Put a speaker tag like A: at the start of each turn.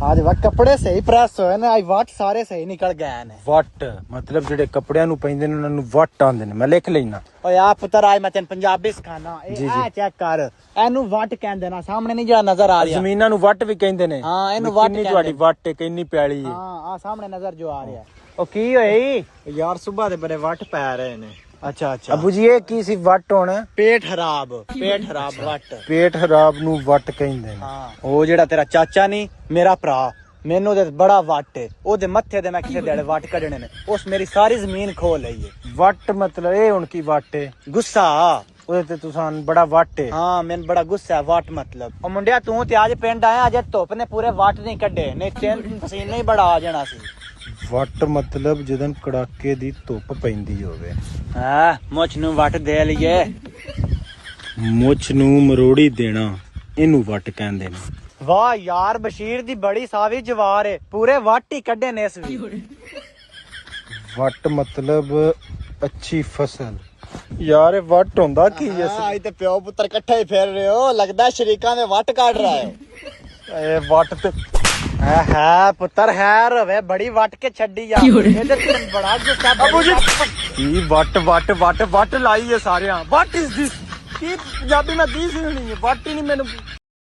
A: आज वह कपड़े सही प्रेस होए ने, आज वट सारे सही निकल गए ने।
B: ਵੱਟ ਮਤਲਬ ਜਿਹੜੇ ਕੱਪੜਿਆਂ ਨੂੰ ਪੈਂਦੇ ਨੇ ਉਹਨਾਂ ਨੂੰ ਵੱਟ ਆਂਦੇ ਨੇ। ਮੈਂ ਲਿਖ ਲੈਣਾ।
A: ਓਏ ਆ ਪੁੱਤਰ ਆਜ ਮੈਂ ਤੈਨੂੰ ਪੰਜਾਬੀ ਸਿਖਾਣਾ।
B: ਜੀ,
A: ਇਹ
B: ਜੀ।
A: ਆ ਚੈੱਕ ਕਰ, ਇਹਨੂੰ ਵਟ ਕਹਿੰਦੇ ਨਾ, ਸਾਹਮਣੇ ਨਹੀਂ ਜਿਹੜਾ ਨਜ਼ਰ ਆ ਰਿਹਾ।
B: ਜ਼ਮੀਨਾਂ ਨੂੰ ਵੱਟ ਵੀ ਕਹਿੰਦੇ ਨੇ।
A: ਹਾਂ, ਇਹਨੂੰ
B: ਵੀ
A: ਵੱਟ
B: ਕਿੰਨੀ
A: ਕਹਿੰਦੇ
B: ਤੁਹਾਡੀ
A: ਨੇ।
B: ਵੱਟ ਹੈ, ਕਿੰਨੀ ਪਿਆਲੀ ਹੈ।
A: ਹਾਂ ਆ ਸਾਹਮਣੇ ਨਜ਼ਰ ਜੋ ਆ ਰਿਹਾ। ਉਹ ਕੀ ਹੋਈ
C: ਯਾਰ ਸੁਬਾਹ ਦੇ ਬੜੇ ਵੱਟ ਪੈ ਰਹੇ ਨੇ।
A: ਅੱਛਾ ਅੱਛਾ
B: ਅਬੂ ਜੀ ਇਹ ਕੀ ਸੀ ਵੱਟ ਹੋਣਾ?
A: ਪੇਟ ਖਰਾਬ ਵਟ।
B: ਪੇਟ ਖਰਾਬ ਨੂੰ ਵੱਟ ਕਹਿੰਦੇ ਨੇ।
A: ਹਾਂ ਉਹ ਜਿਹੜਾ ਤੇਰਾ ਚਾਚਾ ਨਹੀਂ ਮੇਰਾ ਭਰਾ, ਮੈਨੂੰ ਤੇ ਬੜਾ ਵੱਟ ਹੈ ਉਹਦੇ ਮੱਥੇ ਤੇ। ਮੈਂ ਕਿਸੇ ਦਿਹਾੜੇ ਵੱਟ ਕੱਢਣੇ ਨੇ, ਉਸ ਮੇਰੀ ਸਾਰੀ ਜ਼ਮੀਨ ਖੋ ਲਈ ਹੈ।
B: ਵੱਟ ਮਤਲਬ ਇਹ ਹੁਣ ਕੀ ਵੱਟ ਹੈ?
A: ਗੁੱਸਾ।
B: ਉਹਦੇ ਤੇ ਤੁਸਾਂ ਬੜਾ ਵੱਟ ਹੈ।
A: ਹਾਂ ਮੈਨੂੰ ਬੜਾ ਗੁੱਸਾ ਹੈ ਵੱਟ ਮਤਲਬ। ਉਹ ਮੁੰਡਿਆ ਤੂੰ ਤੇ ਅੱਜ ਪਿੰਡ ਆਇਆ, ਅਜੇ ਧੁੱਪ ਨੇ ਪੂਰੇ ਵੱਟ ਨਹੀਂ ਕੱਢੇ, ਨਹੀਂ ਤਿੰਨ ਪਸੀਨੇ ਹੀ ਬੜਾ ਆ ਜਾਣਾ ਸੀ।
B: ਵੱਟ ਮਤਲਬ ਜਦੋਂ ਕੜਾਕੇ ਦੀ ਧੁੱਪ ਪੈਂਦੀ ਹੋਵੇ।
A: ਹਾਂ ਮੁੱਛ ਨੂੰ ਵੱਟ ਦੇ ਲਈਏ।
B: ਮੁੱਛ ਨੂੰ ਮਰੋੜੀ ਦੇਣਾ, ਇਹਨੂੰ ਵੱਟ ਕਹਿੰਦੇ ਨੇ।
A: ਵਾਹ ਯਾਰ ਬਸ਼ੀਰ ਦੀ ਬੜੀ ਸਾਵੀ ਜਵਾਰ ਏ, ਪੂਰੇ ਵੱਟ ਹੀ ਕੱਢੇ ਨੇ ਇਸ ਵੀ।
B: ਵੱਟ ਮਤਲਬ ਅੱਛੀ ਫਸਲ। ਯਾਰ ਇਹ ਵੱਟ ਹੁੰਦਾ ਕੀ ਹੈ?
C: ਅੱਜ ਤੇ ਪਿਓ ਪੁੱਤਰ ਇਕੱਠੇ ਹੀ ਫਿਰ ਰਹੇ ਹੋ, ਲੱਗਦਾ ਸ਼ਰੀਕਾਂ ਦੇ ਵੱਟ ਕੱਢ ਰਹਾ ਹੈ।
B: ਇਹ ਵੱਟ ਤੇ
A: ਹੈ ਪੁੱਤਰ ਹੈਰ ਹੋਵੇ, ਬੜੀ ਵੱਟ ਕੇ ਛੱਡੀ ਆ। ਇਹਦੇ ਤੇ ਬੜਾ ਗੁੱਸਾ।
B: ਅਬੂ ਜੀ ਕੀ ਵੱਟ ਵੱਟ ਵੱਟ ਵੱਟ ਲਾਈ ਹੈ ਸਾਰਿਆਂ। What is this? ਕੀ ਪੰਜਾਬੀ ਮੈਂ ਦੀ ਸੀ ਨਹੀਂ, ਵੱਟ ਹੀ ਨਹੀਂ ਮੈਨੂੰ